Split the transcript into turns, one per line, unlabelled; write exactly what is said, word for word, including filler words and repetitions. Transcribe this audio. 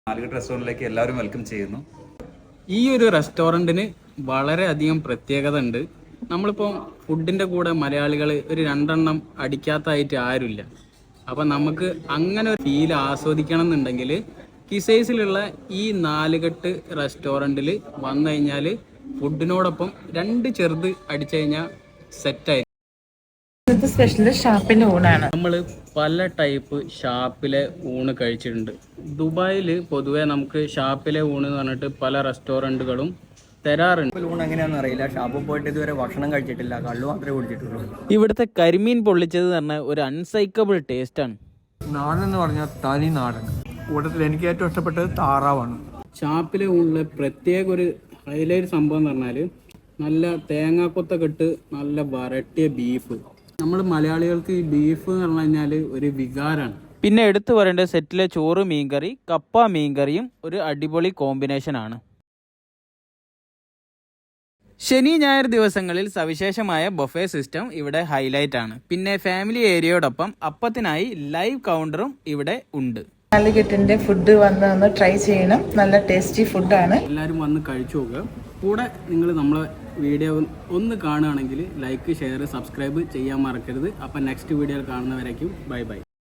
നാലുകെട്ട് റെസ്റ്റോറൻറ്റിലേക്ക് എല്ലാവരും വെൽക്കം ചെയ്യുന്നു.
ഈ ഒരു റെസ്റ്റോറൻറ്റിന് വളരെയധികം പ്രത്യേകത ഉണ്ട്. നമ്മളിപ്പോൾ ഫുഡിൻ്റെ കൂടെ മലയാളികൾ ഒരു രണ്ടെണ്ണം അടിക്കാത്തതായിട്ട് ആരുമില്ല. അപ്പം നമുക്ക് അങ്ങനെ ഒരു ഫീൽ ആസ്വദിക്കണം എന്നുണ്ടെങ്കിൽ കിസൈസിലുള്ള ഈ നാലുകെട്ട് റെസ്റ്റോറൻറ്റിൽ വന്നു കഴിഞ്ഞാൽ ഫുഡിനോടൊപ്പം രണ്ട് ചെറുത് അടിച്ചു കഴിഞ്ഞാൽ സെറ്റായി.
സ്പെഷ്യല് ഷാപ്പിന്റെ ഊണാണ്.
നമ്മൾ പല ടൈപ്പ് ഷാപ്പിലെ ഊണ് കഴിച്ചിട്ടുണ്ട്. ദുബായിൽ പൊതുവെ നമുക്ക് ഷാപ്പിലെ ഊണ് എന്ന് പറഞ്ഞിട്ട് പല റെസ്റ്റോറൻറ്റുകളും തരാറുണ്ട്.
ഊണ് എങ്ങനെയാണെന്ന് അറിയില്ല. ഷാപ്പിൽ പോയിട്ട് ഇതുവരെ ഭക്ഷണം കഴിച്ചിട്ടില്ല, കള്ളു മാത്രമേ കുടിച്ചിട്ടുള്ളൂ.
ഇവിടുത്തെ കരിമീൻ പൊള്ളിച്ചത് പറഞ്ഞ ഒരു അൺസൈക്കബിൾ ടേസ്റ്റാണ്.
നാടൻ എന്ന് പറഞ്ഞാൽ തനി നാടൻ. കൂട്ടത്തിൽ എനിക്ക് ഏറ്റവും ഇഷ്ടപ്പെട്ടത് താറാവാണ്.
ഷാപ്പിലെ ഊണിലെ പ്രത്യേക ഒരു ഹൈലൈറ്റ് സംഭവം എന്ന് പറഞ്ഞാൽ നല്ല തേങ്ങാക്കൊത്തൊക്കെ ഇട്ട് നല്ല വരട്ടിയ ബീഫ്. നമ്മൾ മലയാളികൾക്ക് ഈ ബീഫ് എന്ന് പറഞ്ഞു കഴിഞ്ഞാൽ ഒരു വികാരമാണ്. പിന്നെ എടുത്തു പറയേണ്ട സെറ്റിലെ ചോറ് മീൻകറി, കപ്പ മീൻകറിയും ഒരു അടിപൊളി കോമ്പിനേഷൻ ആണ്. ശനി ഞായർ ദിവസങ്ങളിൽ സവിശേഷമായ ബൊഫേ സിസ്റ്റം ഇവിടെ ഹൈലൈറ്റ് ആണ്. പിന്നെ ഫാമിലി ഏരിയയോടൊപ്പം അപ്പത്തിനായി ലൈവ് കൗണ്ടറും ഇവിടെ ഉണ്ട്.
നാലുകെട്ടിന്റെ ഫുഡ് വന്ന് ഒന്ന് ട്രൈ ചെയ്യണം. നല്ല ടേസ്റ്റി ഫുഡാണ്.
എല്ലാവരും വന്ന് കഴിച്ചു നോക്കുക. കൂടെ നിങ്ങൾ നമ്മളെ വീഡിയോ ഒന്ന് കാണുകയാണെങ്കിൽ ലൈക്ക്, ഷെയർ, സബ്സ്ക്രൈബ് ചെയ്യാൻ മറക്കരുത്. അപ്പം നെക്സ്റ്റ് വീഡിയോയിൽ കാണുന്നവരേക്കും ബൈ ബൈ.